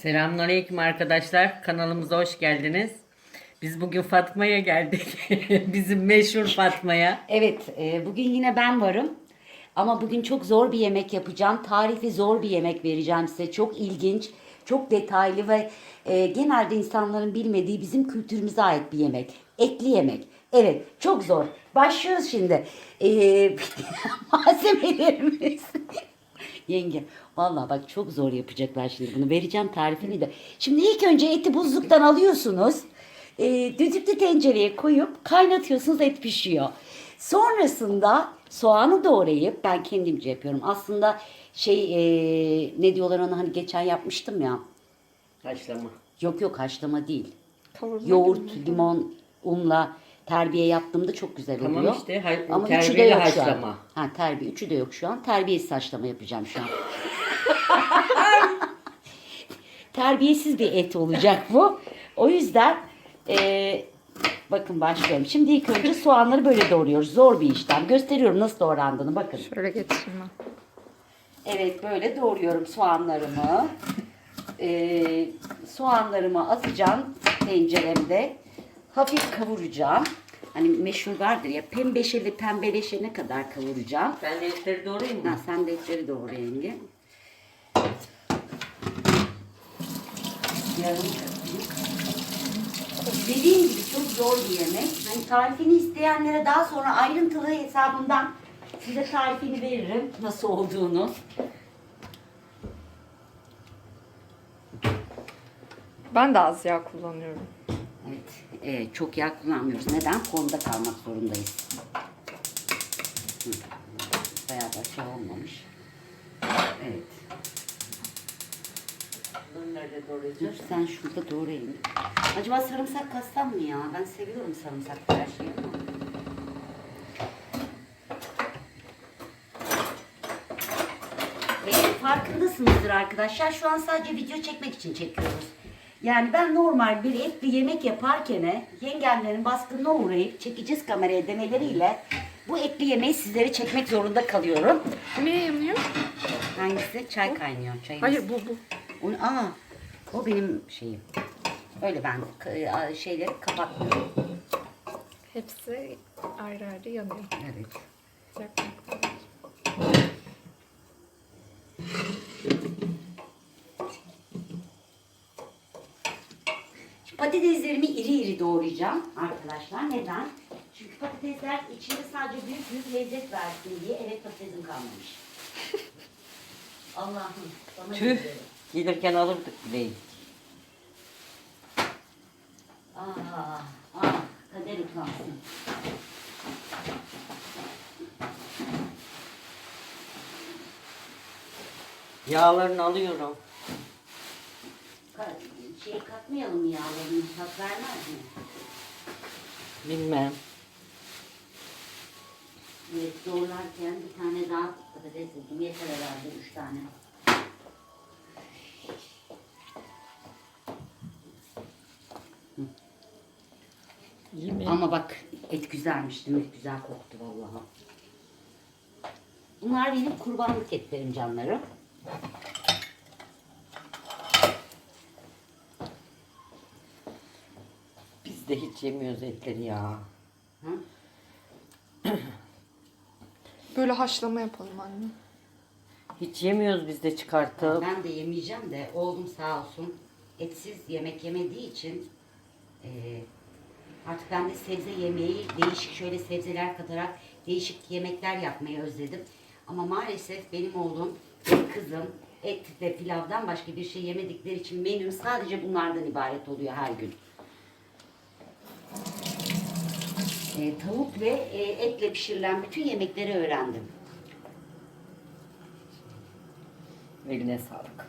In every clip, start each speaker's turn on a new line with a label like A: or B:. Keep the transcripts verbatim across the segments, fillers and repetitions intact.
A: Selamünaleyküm arkadaşlar. Kanalımıza hoş geldiniz. Biz bugün Fatma'ya geldik. Bizim meşhur Fatma'ya.
B: Evet, e, bugün yine ben varım. Ama bugün çok zor bir yemek yapacağım. Tarifi zor bir yemek vereceğim size. Çok ilginç, çok detaylı ve e, genelde insanların bilmediği bizim kültürümüze ait bir yemek. Etli yemek. Evet, çok zor. Başlıyoruz şimdi. E, malzemelerimiz. Yenge, vallahi bak çok zor yapacaklar şimdi bunu. Vereceğim tarifini de. Şimdi ilk önce eti buzluktan alıyorsunuz. E, düdüklü tencereye koyup kaynatıyorsunuz, et pişiyor. Sonrasında soğanı doğrayıp ben kendimce yapıyorum. Aslında şey e, ne diyorlar ona, hani geçen yapmıştım ya.
A: Haşlama.
B: Yok yok, haşlama değil.
C: Kavurma
B: Yoğurt,
C: gibi mi?
B: limon, unla terbiye yaptığımda çok güzel oluyor.
A: Tamam işte, ha-
B: Ama üçü de
A: terbiyeli
B: yok şu an.
A: haşlama.
B: Ha, terbiye üçü de yok şu an. Terbiyesiz haşlama yapacağım şu an. Terbiyesiz bir et olacak bu. O yüzden e, bakın başlıyorum. Şimdi ilk önce soğanları böyle doğruyoruz. Zor bir işlem. Gösteriyorum nasıl doğrandığını, bakın.
C: Şöyle getireyim ben.
B: Evet, böyle doğruyorum soğanlarımı. Ee, soğanlarımı atacağım tenceremde. Hafif kavuracağım. Hani meşhur vardır ya, pembeşeli pembeleşene kadar kavuracağım.
A: Ben de etleri doğrayayım
B: Ha,
A: mı?
B: sen de etleri doğru yenge. Yarım katlık. Dediğim gibi çok zor bir yemek. Hani tarifini isteyenlere daha sonra ayrıntılı hesabından size tarifini veririm nasıl olduğunu.
C: Ben de az yağ kullanıyorum.
B: Evet, e, çok yağ kullanmıyoruz. Neden? Formda kalmak zorundayız. Hı. Bayağı da şey olmamış. Evet.
A: Bunu nerede
B: Dur
A: doğrayacağız?
B: sen şurada doğrayın. Acaba sarımsak katsam mı ya? Ben seviyorum sarımsaklı her şeyi ama. E, farkındasınızdır arkadaşlar. Şu an sadece video çekmek için çekiyoruz. Yani ben normal bir etli yemek yaparken yengemlerin baskınına uğrayıp çekeceğiz kameraya demeleriyle bu etli yemeği sizlere çekmek zorunda kalıyorum.
C: Niye yanıyor?
B: Hangisi? Çay kaynıyor. Çayımız.
C: Hayır bu bu.
B: O, aa, o benim şeyim. Öyle ben k- şeyleri kapatmıyorum.
C: Hepsi ayrı ayrı yanıyor.
B: Evet.
C: Yakmak.
B: Şimdi patateslerimi iri iri doğrayacağım arkadaşlar. Neden? Çünkü patatesler içinde sadece büyük büyük lezzet versin diye. Evet, patatesim kalmamış. Allah'ım. Bana
A: Tüh.
B: güzel.
A: Gelirken alırdık bile.
B: Ah, ah, kader utansın.
A: Yağlarını alıyorum.
B: Ka- şey katmayalım mı yağlarını? Tat vermez mi?
A: Bilmem.
B: Evet, doğrarken bir tane daha patates buldum. Yeter herhalde üç tane.
A: İyi mi?
B: Ama bak, et güzelmiş değil mi? Güzel koktu vallahi. Bunlar benim kurbanlık etlerim canlarım.
A: Biz de hiç yemiyoruz etleri ya.
B: Hı?
C: Böyle haşlama yapalım anne.
A: Hiç yemiyoruz biz de çıkartıp.
B: Ben de yemeyeceğim de oğlum sağ olsun etsiz yemek yemediği için e, artık ben de sebze yemeği, değişik şöyle sebzeler katarak değişik yemekler yapmayı özledim. Ama maalesef benim oğlum ve kızım et ve pilavdan başka bir şey yemedikleri için menüm sadece bunlardan ibaret oluyor her gün. E, tavuk ve e, etle pişirilen bütün yemekleri öğrendim.
A: Eline sağlık.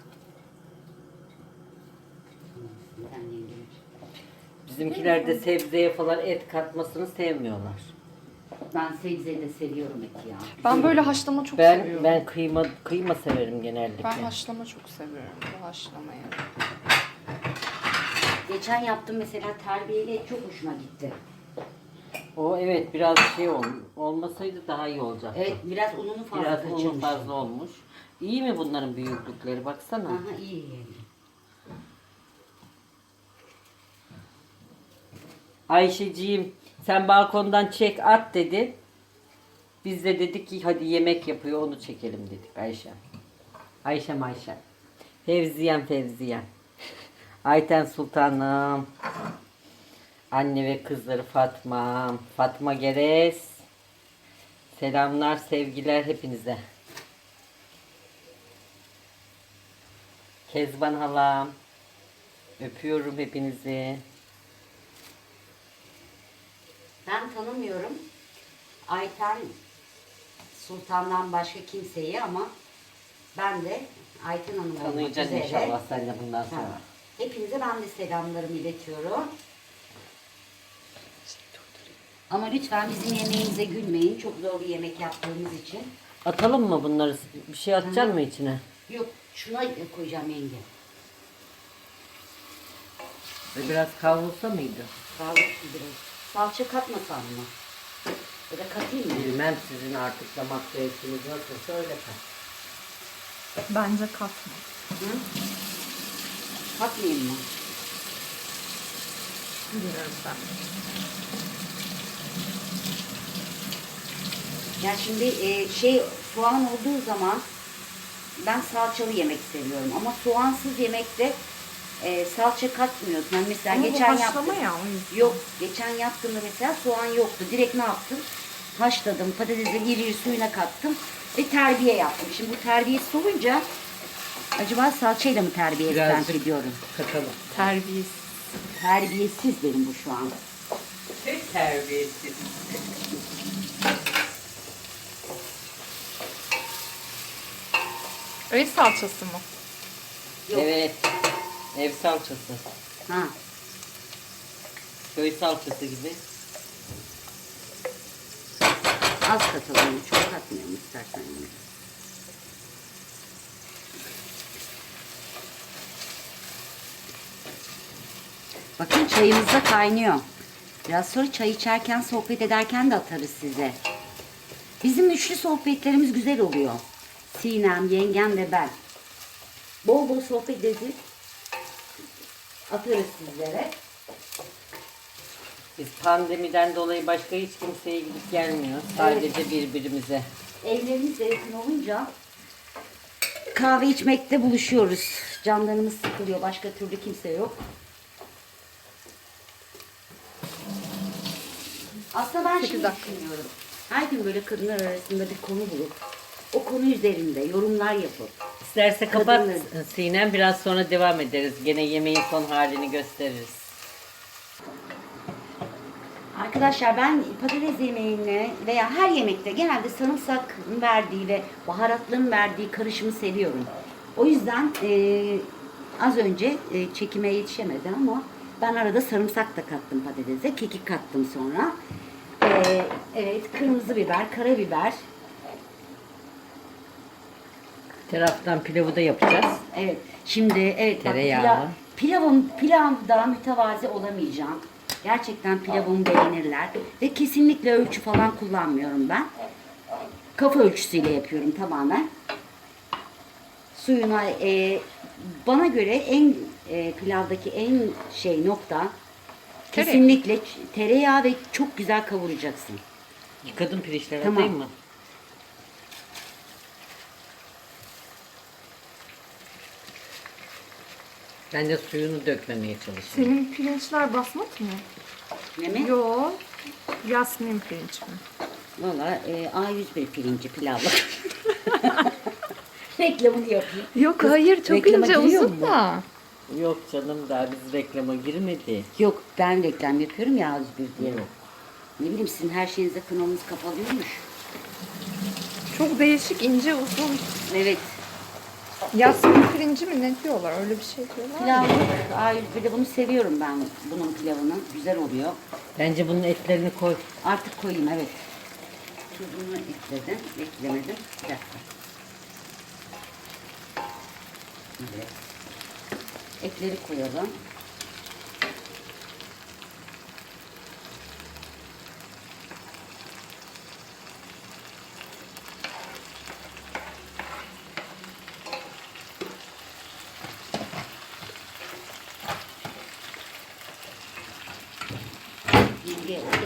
B: Ben yengem.
A: Bizimkiler de sebzeye falan et katmasını sevmiyorlar.
B: Ben sebzeyi de seviyorum eti ya.
C: Ben böyle haşlama çok
A: Ben
C: seviyorum.
A: ben kıyma kıyma severim genellikle.
C: Ben haşlama çok seviyorum. Bu haşlamayı.
B: Geçen yaptım mesela terbiyeli et, çok hoşuma gitti.
A: O evet biraz şey ol, olmasaydı daha iyi olacaktı.
B: Evet, biraz ununu fazla
A: Biraz unu
B: kaçırmışım.
A: fazla olmuş. İyi mi bunların büyüklükleri baksana.
B: Aha, iyi yani.
A: Ayşeciğim sen balkondan çek at dedi. Biz de dedik ki hadi yemek yapıyor onu çekelim dedik Ayşe. Ayşem Ayşem. Fevziyem Fevziyem. Ayten Sultanım. Anne ve kızları Fatma. Fatma Geres. Selamlar, sevgiler hepinize. Kezban halam. Öpüyorum hepinizi.
B: Ben tanımıyorum Ayten Sultan'dan başka kimseyi ama ben de Ayten Hanım olmak
A: Tanıyacaksın
B: üzere.
A: inşallah sen de bundan sonra.
B: Ha. Hepinize ben de selamlarımı iletiyorum. Ama lütfen bizim yemeğimize gülmeyin. Çok zor bir yemek yaptığımız için.
A: Atalım mı bunları? Bir şey atacaksın mı içine?
B: Yok, şuna koyacağım yenge.
A: Ve biraz kavrulsa mıydı?
B: Sağlıklı biraz. Salça katmasam mı? Ya da katayım mı?
A: Bilmem sizin artık damak zevkiniz nasılsa öyle kat.
C: Bence katma.
B: Hı? Katmayayım mı?
C: Bilmiyorum ben.
B: Ya şimdi e, şey soğan olduğu zaman ben salçalı yemek seviyorum ama soğansız yemekte e, salça katmıyorsun. Ben mesela
C: Ama
B: geçen
C: bu haşlama
B: yaptım.
C: ya o yüzden.
B: Yok, geçen yaptığımda mesela soğan yoktu. Direkt ne yaptım? Haşladım, patatesi iri iri suyuna kattım ve terbiye yaptım. Şimdi bu terbiyesiz olunca acaba salçayla mı terbiye etsem
A: Birazcık
B: diyorum.
A: katalım.
C: Terbiyesiz.
B: Terbiyesiz benim bu şu an.
A: Pek terbiyesiz.
C: Öyle salçası mı?
B: Yok.
A: Evet. Ev salçası.
B: Ha.
A: Köy salçası gibi.
B: Az katalım, çok katmayalım istersen. Yani. Bakın çayımız da kaynıyor. Biraz sonra çay içerken, sohbet ederken de atarız size. Bizim üçlü sohbetlerimiz güzel oluyor. Sinem, yengem ve ben. Bol bol sohbet edip atarız sizlere.
A: Biz pandemiden dolayı başka hiç kimseye gidip gelmiyoruz. Sadece birbirimize.
B: Evlerimiz de yakın olunca kahve içmekte buluşuyoruz. Canlarımız sıkılıyor. Başka türlü kimse yok. Aslında ben
C: Sekiz
B: şimdi
C: dakika.
B: düşünüyorum. Her gün böyle kadınlar arasında bir konu bulup o konu üzerinde yorumlar yapıp
A: İsterse kapat
B: Kadınlar.
A: Sinem, biraz sonra devam ederiz. Gene yemeğin son halini gösteririz.
B: arkadaşlar ben patates yemeğini veya her yemekte genelde sarımsak verdiği ve baharatların verdiği karışımı seviyorum. O yüzden eee, az önce e, çekime yetişemedi ama ben arada sarımsak da kattım patatese. Kekik kattım sonra. Eee, evet, kırmızı biber, karabiber.
A: Taraftan pilavı da yapacağız.
B: Evet. Şimdi evet bak,
A: Tereyağlı.
B: pilav, pilavım pilavda mütevazi olamayacağım. Gerçekten pilavımı beğenirler ve kesinlikle ölçü falan kullanmıyorum ben. Kafa ölçüsüyle yapıyorum tamamen. Suyuna e, bana göre en e, pilavdaki en şey nokta
C: Tereyağı.
B: kesinlikle ç- tereyağı ve çok güzel kavuracaksın.
A: Yıkadın pirinçleri,
B: Tamam.
A: atayım mı? Ben de suyunu dökmemeye çalışıyorum.
C: Senin pirinçler basmat mı?
B: Ne mi?
C: Yo. Yasmin pirinç mi?
B: Valla e, A yüz bir pirinci pilavlık. Reklamını yapayım.
C: Yok hayır çok
B: reklama
C: ince
B: giriyor
C: uzun
B: mu?
C: da.
A: Yok canım, daha biz reklama girmedi.
B: Yok ben reklam yapıyorum ya A yüz bir diye. Ne bileyim sizin her şeyinize kanalınız kapalıymış.
C: Çok değişik ince uzun.
B: Evet.
C: Yasmin pirinci mi ne diyorlar? Öyle bir şey diyorlar.
B: Pilavlık A yüz birde bunu seviyorum ben bunun pilavını. Güzel oluyor.
A: Bence bunun etlerini koy.
B: Artık koyayım evet. Tuzunu ekledim. Eklemedim. Bir dakika. Evet. Etleri koyalım.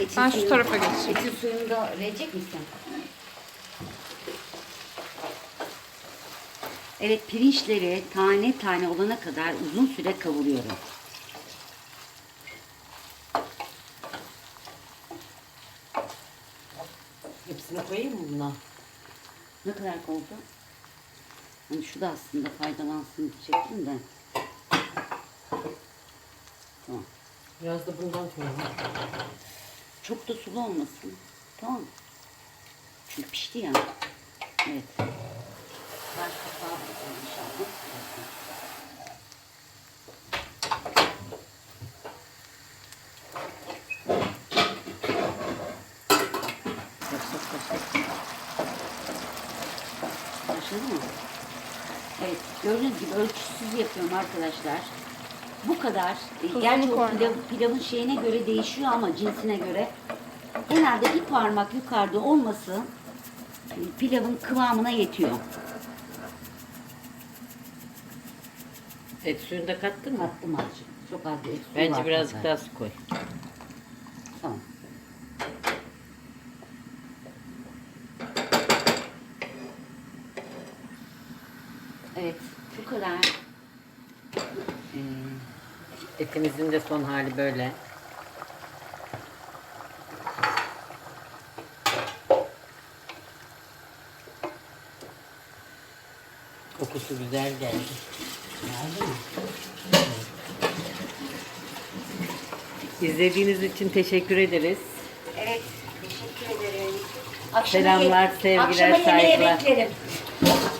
B: Etin
C: Ben şu
B: suyunu-
C: tarafa geçeyim.
B: Etin suyunu da verecek misin? Evet, pirinçleri tane tane olana kadar uzun süre kavuruyorum.
A: Hepsini koyayım mı buna?
B: Ne kadar oldu? Hani şu da aslında faydalansın diyecektim de. Tamam.
A: Biraz da bundan koyalım.
B: Çok da sulu olmasın. Tamam. Çünkü pişti ya. Evet. Baş kapağı bakalım inşallah. Başlat başlat. Başladı mı? Evet. Gördüğünüz gibi ölçüsüz yapıyorum arkadaşlar. Bu kadar. E,
C: Tuzunu
B: Gerçi o
C: koyma.
B: pilav, pilavın şeyine göre değişiyor ama cinsine göre. Genelde bir parmak yukarıda olması e, pilavın kıvamına yetiyor.
A: Et suyunu da kattın mı?
B: Kattım azıcık. Çok az bir et suyu
A: Bence
B: var
A: birazcık
B: zaten.
A: daha su koy.
B: Tamam. Evet. Bu kadar. Ee,
A: Etimizin de son hali böyle. Kokusu güzel geldi.
B: geldi mi?
A: İzlediğiniz için teşekkür ederiz.
B: Evet. Teşekkür ederim.
A: Selamlar,
B: ye-
A: sevgiler,
B: akşama yemeğe
A: saygılar.
B: beklerim.